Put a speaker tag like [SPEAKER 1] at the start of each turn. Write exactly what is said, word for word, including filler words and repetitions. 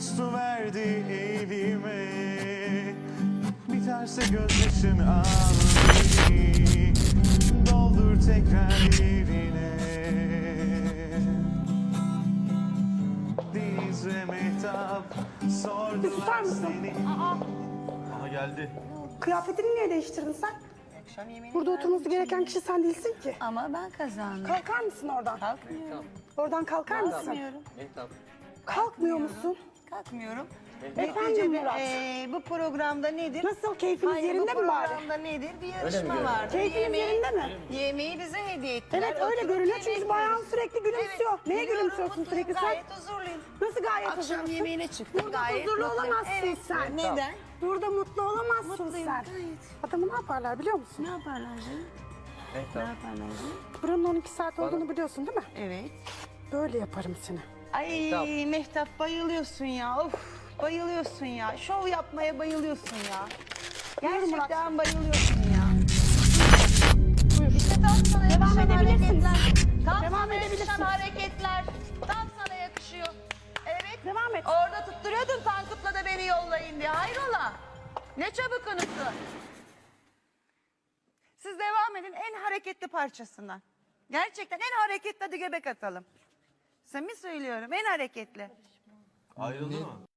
[SPEAKER 1] su verdi evime. Biterse gözyaşın al beni, doldur tekrar yerine. Deniz ve Mehtap sordular
[SPEAKER 2] mısın?
[SPEAKER 1] seni.
[SPEAKER 3] Aha geldi.
[SPEAKER 2] Kıyafetini niye değiştirdin sen?
[SPEAKER 4] Akşam yemeğini
[SPEAKER 2] Burada
[SPEAKER 4] verdim
[SPEAKER 2] oturması
[SPEAKER 4] şimdi.
[SPEAKER 2] gereken kişi sen değilsin ki.
[SPEAKER 4] Ama ben kazandım.
[SPEAKER 2] Kalkar mısın oradan?
[SPEAKER 4] Kalkmıyorum.
[SPEAKER 2] Oradan kalkar mısın?
[SPEAKER 4] Kalkmıyorum.
[SPEAKER 2] Kalkmıyor musun?
[SPEAKER 4] Kalkmıyorum.
[SPEAKER 2] Efendim
[SPEAKER 4] Neticede
[SPEAKER 2] Murat?
[SPEAKER 4] eee, bu programda nedir?
[SPEAKER 2] Nasıl, keyfiniz
[SPEAKER 4] Hayır,
[SPEAKER 2] yerinde
[SPEAKER 4] bu
[SPEAKER 2] mi bari?
[SPEAKER 4] programda nedir? Bir yarışma vardır.
[SPEAKER 2] Keyfiniz
[SPEAKER 4] Yemeği-
[SPEAKER 2] yerinde mi?
[SPEAKER 4] Yemeği bize hediye ettiler.
[SPEAKER 2] Evet öyle
[SPEAKER 4] Oturup
[SPEAKER 2] görünüyor
[SPEAKER 4] yemek
[SPEAKER 2] çünkü bayan
[SPEAKER 4] yiyoruz.
[SPEAKER 2] sürekli gülümsüyor.
[SPEAKER 4] Evet,
[SPEAKER 2] Neye
[SPEAKER 4] biliyorum,
[SPEAKER 2] gülümsüyorsun
[SPEAKER 4] mutluyum,
[SPEAKER 2] sürekli sen?
[SPEAKER 4] Gayet huzurluyum.
[SPEAKER 2] Nasıl gayet
[SPEAKER 4] Akşam
[SPEAKER 2] huzurlusun?
[SPEAKER 4] yemeğine çıktık.
[SPEAKER 2] Burada
[SPEAKER 4] Gayet
[SPEAKER 2] huzurlu
[SPEAKER 4] mutluyum.
[SPEAKER 2] olamazsın
[SPEAKER 4] Evet.
[SPEAKER 2] sen.
[SPEAKER 4] Neden?
[SPEAKER 2] Burada mutlu olamazsın
[SPEAKER 4] Mutluyum,
[SPEAKER 2] sen.
[SPEAKER 4] gayet.
[SPEAKER 2] Adamı ne yaparlar biliyor musun?
[SPEAKER 4] Ne yaparlar canım? Ne yaparlar canım?
[SPEAKER 2] Buranın on iki saat olduğunu biliyorsun değil mi?
[SPEAKER 4] Evet.
[SPEAKER 2] Böyle yaparım seni.
[SPEAKER 4] Ay Mehtap bayılıyorsun ya. Of bayılıyorsun ya. Şov yapmaya bayılıyorsun ya. Gerçekten bayılıyorsun ya.
[SPEAKER 2] Buyur.
[SPEAKER 4] İşte tam sana
[SPEAKER 2] Devam
[SPEAKER 4] yakışan
[SPEAKER 2] edebilirsiniz.
[SPEAKER 4] hareketler. Tam
[SPEAKER 2] Devam
[SPEAKER 4] sana yakışan
[SPEAKER 2] edebilirsiniz.
[SPEAKER 4] hareketler. Tam sana yakışıyor. Evet.
[SPEAKER 2] Devam et.
[SPEAKER 4] Orada tutturuyordun Tankut'la da beni yollayın diye. Hayrola? Ne çabuk unuttun. Siz devam edin en hareketli parçasından. Gerçekten en hareketli, hadi göbek atalım. Samimi söylüyorum en hareketli.
[SPEAKER 3] Ayrıldı mı?